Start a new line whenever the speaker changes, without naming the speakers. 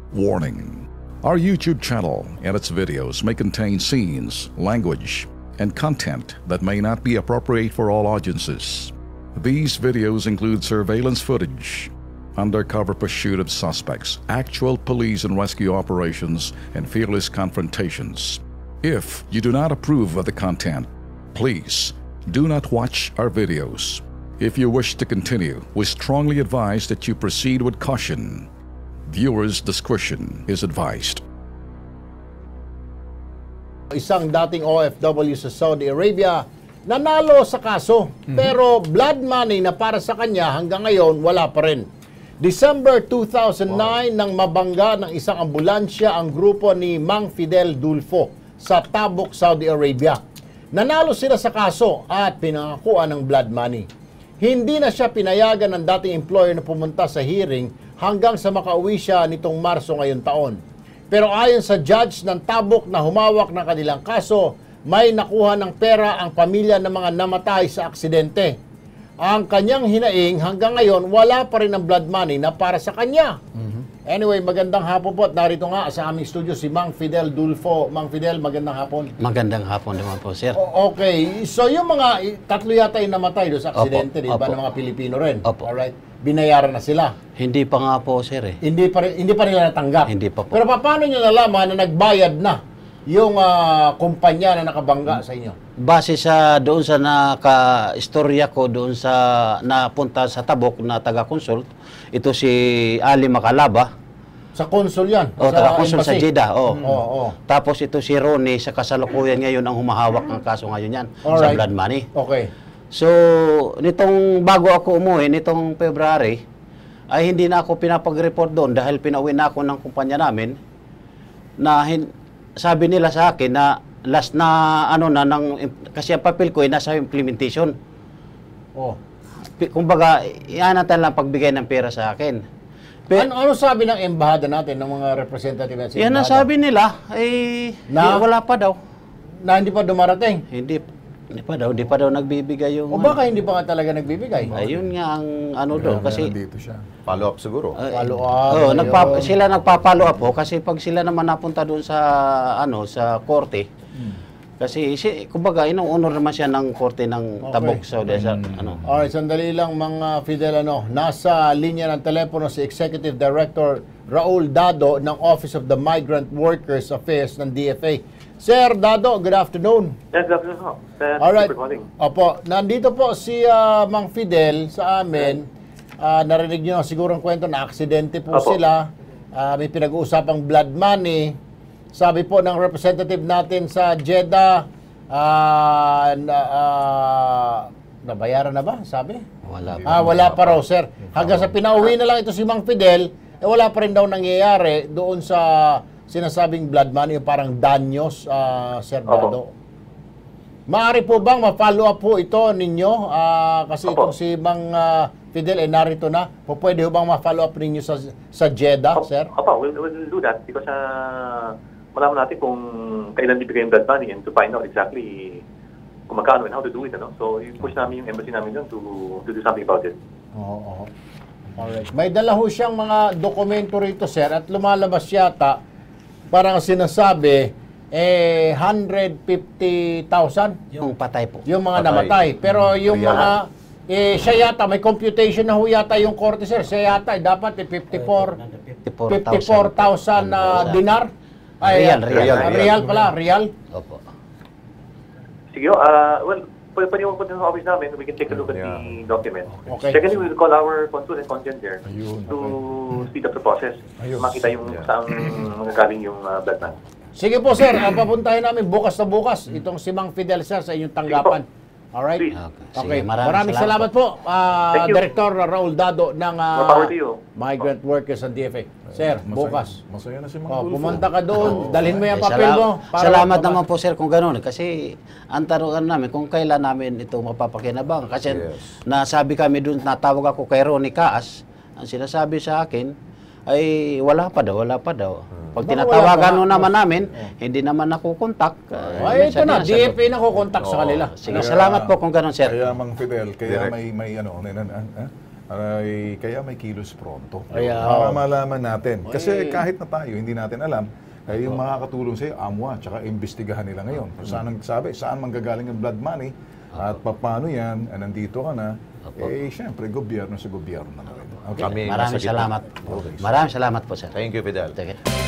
Warning. Our YouTube channel and its videos may contain scenes, language, and content that may not be appropriate for all audiences. These videos include surveillance footage, undercover pursuit of suspects, actual police and rescue operations, and fearless confrontations. If you do not approve of the content, please do not watch our videos. If you wish to continue, we strongly advise that you proceed with caution. Viewers' discretion is advised.
Isang dating OFW sa Saudi Arabia nanalo sa kaso, pero blood money na para sa kanya hanggang ngayon wala pa rin. December 2009 nang mabangga ng isang ambulansya ang grupo ni Mang Fidel Dulfo sa Tabuk, Saudi Arabia. Nanalo sila sa kaso at pinangakuan ng blood money. Hindi na siya pinayagan ng dating employer na pumunta sa hearing hanggang sa makauwi siya nitong Marso ngayon taon. Pero ayon sa judge ng Tabuk na humawak ng kanilang kaso, may nakuha ng pera ang pamilya ng mga namatay sa aksidente. Ang kanyang hinaing hanggang ngayon, wala pa rin ang blood money na para sa kanya. Anyway, magandang hapon po at narito nga sa aming studio si Mang Fidel Dulfo. Mang Fidel, magandang hapon.
Magandang hapon naman po, sir.
Okay, so yung mga tatlo yata yung namatay doon sa aksidente, di ba, ng mga Pilipino rin?
Opo.
Alright, binayaran na sila.
Hindi pa nga po, sir.
Hindi pa nila natanggap.
Hindi pa po.
Pero paano nyo nalaman na nagbayad na yung kumpanya na nakabangga sa inyo?
Base sa doon sa naka-istorya ko doon sa napunta sa Tabuk na taga-consult, ito si Ali Macalaba.
Sa consul yan?
O, taga-consult sa Jeddah.
Oo.
Tapos ito si Ronnie, sa kasalukuyan ngayon ang humahawak ng kaso ngayon yan sa blood money.
Okay.
So, nitong bago ako umuwi, nitong February, ay hindi na ako pinapag-report doon dahil pinauwi na ako ng kumpanya namin na sabi nila sa akin na last na kasi ang papel ko ay nasa implementation. Kumbaga, ianatan lang pagbigay ng pera sa akin.
Ano sabi ng embahada natin, ng mga representative natin?
Yan ang sabi nila, ay wala pa daw.
Na hindi pa dumarating?
Hindi pa daw nagbibigay yung...
O baka hindi pa nga talaga nagbibigay?
Ayun nga ang doon. Kasi
nandito siya. Follow up siguro.
Follow up.
Sila nagpa-follow up po kasi pag sila naman napunta doon sa sa korte. Kasi kumbaga inuunor naman siya ng korte ng Tabuk Saudi
Alright, sandali lang mga Fidel, nasa linya ng telepono si Executive Director Raul Dado ng Office of the Migrant Workers Affairs ng DFA. Sir Dado, good afternoon.
Yes, good afternoon ho.
Alright. Opo, nandito po si Mang Fidel sa amin. Narinig niyo siguro ang kwento na aksidente po sila. May pinag-uusapang blood money. Sabi po ng representative natin sa Jeddah, nabayaran na ba? Sabi? Wala pa raw, sir. Hanggang sa pinauwi na lang ito si Mang Fidel, wala pa rin daw nangyayari doon sa sinasabing blood money, parang danyos, Sir Dado. Maaari po bang ma-follow up po ito ninyo? Kasi itong si Mang Fidel narito na. Pwede ho bang ma-follow up ninyo sa Jeddah, sir?
We'll do that because malaman natin kung kailan bibigay yung blood money and to find out exactly kung magkano and how to do it. So, i-push namin yung embassy namin doon to do something about it.
Oo. Alright. May dala ho siyang mga dokumento rito, sir, at lumalabas yata, parang sinasabi, 150,000?
Yung patay po.
Yung mga namatay. Pero yung mga, siya yata, may computation na ho yata yung korte, sir. Siya yata, dapat 54,000 dinar. Real pala, real.
Opo.
Sige, pwede mo punta sa office namin, we can take a look at the document.
Okay.
Secondly, we'll call our consul and content there to speed up the process. Makita yung saan magagaling yung blood money.
Sige po, sir. Papuntahin namin bukas na bukas itong si Mang Fidel, sir, sa inyong tanggapan. Alright?
Okay.
Maraming salamat po, Director Raul Dado ng Migrant Workers and DFA. Sir, bukas.
Masaya na si Mang Dulfo.
Pumunta ka doon, dalhin mo yung papel mo.
Salamat naman po, sir, kung gano'n. Kasi ang tanungan namin kung kailan namin ito mapapakinabang. Kasi nasabi kami doon, natawag ako kay Ronnie Kaas, ang sinasabi sa akin ay wala pa daw. Pag tinatawagan naman namin, hindi naman nakukontak.
Ito na, DFA na kukontak sa kanila.
Sige, salamat po kung gano'n, sir.
Kaya Mang Fidel, kaya may
ay kaya may kilos pronto.
Kaya,
Para malaman natin. Kasi kahit na tayo, hindi natin alam, ay yung makakatulong sa'yo, AMWA, tsaka imbestigahan nila ngayon. Kung saan ang sabi, saan manggagaling ang blood money, at paano yan, nandito ka na, syempre, gobyerno sa gobyerno na rin. Okay?
Kami
Maraming
nasa gitna.
salamat. Maraming salamat po, sir.
Thank you, Fidel.
Sige.